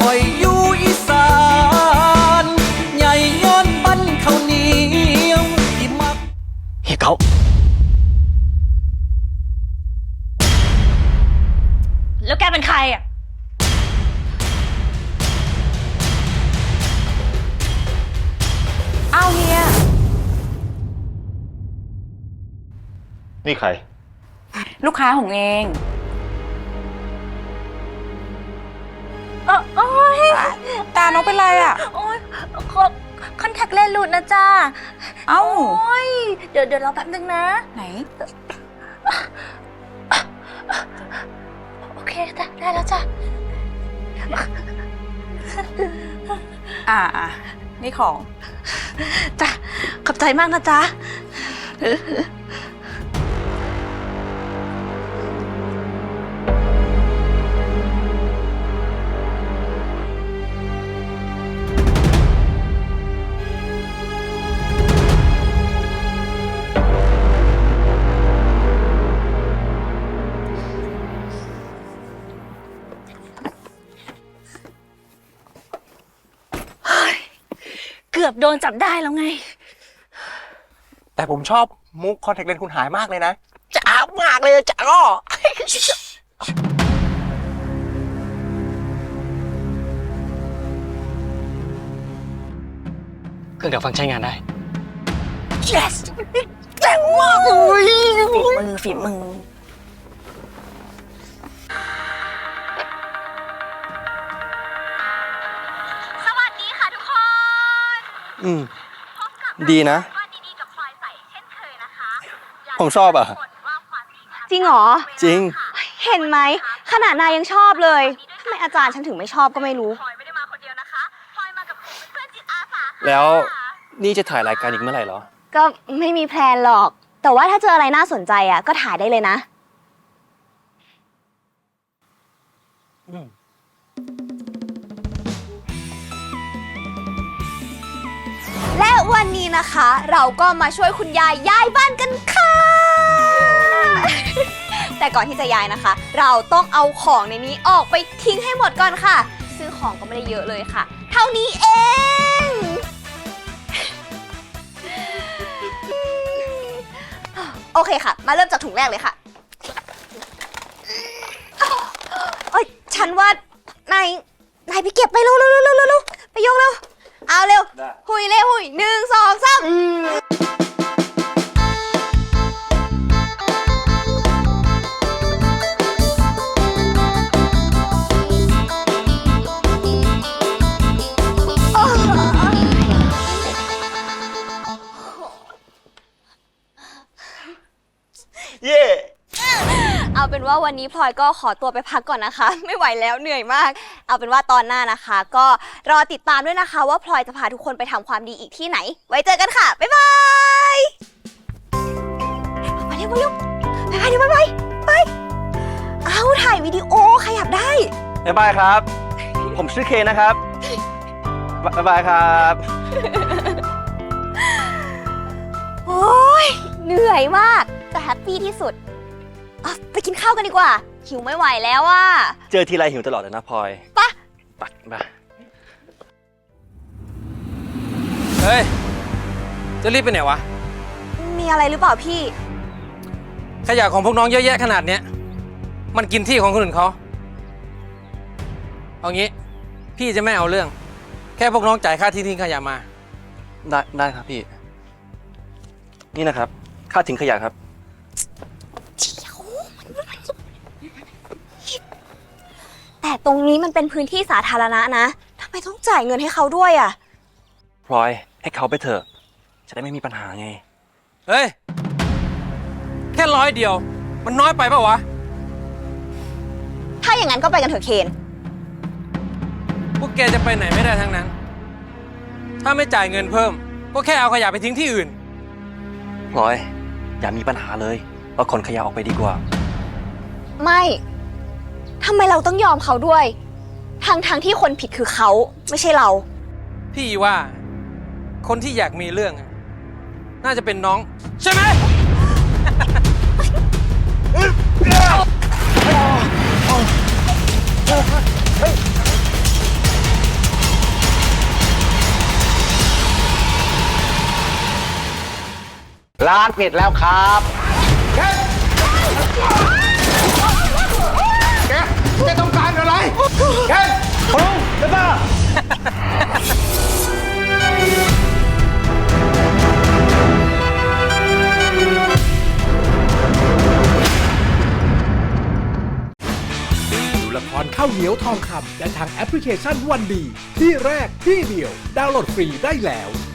อยอยู่อีสานใหญ่ย้อนบ้านข้าวเหนียวที่มักเฮ้ยเขาแล้วแกเป็นใครอ่ะอ้าวเฮียนี่ใครลูกค้าของเองโอ้ยตาน้องเป็นไรอ่ะโอ้ยคอนแทคเลนส์หลุดนะจ้าเอ้าโอ้ยเดี๋ยวรอแป๊บนึงนะไหนโอเคจ้ะได้แล้วจ้ะนี่ของจ้ะขอบใจมากนะจ๊ะเกือบโดนจับได้แล้วไงแต่ผมชอบมุกคอนแทคเลนส์คุณหายมากเลยนะจ้ามากเลยจ้าก็เครื่องดักฟังใช้งานได้ yes แจ๋งมากเลยฝีมือสวัสดีค่ะทุกคนดีนะวันดีๆกับพลอยใสเช่นเคยนะคะผมชอบอ่ะจริงเหรอจริงเห็นไหมขนาดนายยังชอบเลยทำไมอาจารย์ฉันถึงไม่ชอบก็ไม่รู้พลอยไม่ได้มาคนเดียวนะคะพลอยมากับกลุ่มเพื่อนจิตอาสาค่ะแล้วนี่จะถ่ายรายการอีกเมื่อไหร่เหรอก็ไม่มีแพลนหรอกแต่ว่าถ้าเจออะไรน่าสนใจอ่ะก็ถ่ายได้เลยนะและวันนี้นะคะเราก็มาช่วยคุณยายย้ายบ้านกันค่ะ แต่ก่อนที่จะย้ายนะคะเราต้องเอาของในนี้ออกไปทิ้งให้หมดก่อนค่ะซึ่งของก็ไม่ได้เยอะเลยค่ะเท่านี้เองโอเคค่ะมาเริ่มจากถุงแรกเลยค่ะเอ้ยฉันว่านายไปเก็บไปเร็วไปยกเร็วเอาเร็วหุยเร็วหุย1 2 3 เย่เอาเป็นว่าวันนี้พลอยก็ขอตัวไปพักก่อนนะคะไม่ไหวแล้วเหนื่อยมากเอาเป็นว่าตอนหน้านะคะก็รอติดตามด้วยนะคะว่าพลอยจะพาทุกคนไปทำความดีอีกที่ไหนไว้เจอกันค่ะบ๊ายบายมาเร็วไปเอาถ่ายวิดีโอขยับได้บ๊ายบายครับผมชื่อเคนะครับบ๊ายบายครับโอ้ยเหนื่อยมากแต่แฮปปี้ที่สุดไปกินข้าวกันดีกว่าหิวไม่ไหวแล้วอ่ะเจอทีไรหิวตลอดเลยนะพลอยปะเฮ้ยจะรีบไปไหนวะมีอะไรหรือเปล่าพี่ขยะของพวกน้องเยอะแยะขนาดเนี้ยมันกินที่ของคนอื่นเขาเอางี้พี่จะไม่เอาเรื่องแค่พวกน้องจ่ายค่าที่ทิ้งขยะมาได้ครับพี่นี่นะครับค่าทิ้งขยะครับแต่ตรงนี้มันเป็นพื้นที่สาธารณะนะทำไมต้องจ่ายเงินให้เขาด้วยอ่ะพลอยให้เขาไปเถอะจะได้ไม่มีปัญหาไงเฮ้ยแค่100 เดียวมันน้อยไปเปล่าวะถ้าอย่างนั้นก็ไปกันเถอะเคนพวกแกจะไปไหนไม่ได้ทั้งนั้นถ้าไม่จ่ายเงินเพิ่มก็แค่เอาขยะไปทิ้งที่อื่นพลอยอย่ามีปัญหาเลยเราขนขยะออกไปดีกว่าไม่ทำไมเราต้องยอมเขาด้วยทั้งที่คนผิดคือเขาไม่ใช่เราพี่ว่าคนที่อยากมีเรื่องน่าจะเป็นน้องใช่ไหมร้านปิดแล้วครับแกต้องการอะไรแกพงเจ้าป้าดูละครข้าวเหนียวทองคำได้ทางแอปพลิเคชันวันดี ที่แรกที่เดียว ดาวน์โหลดฟรีได้แล้ว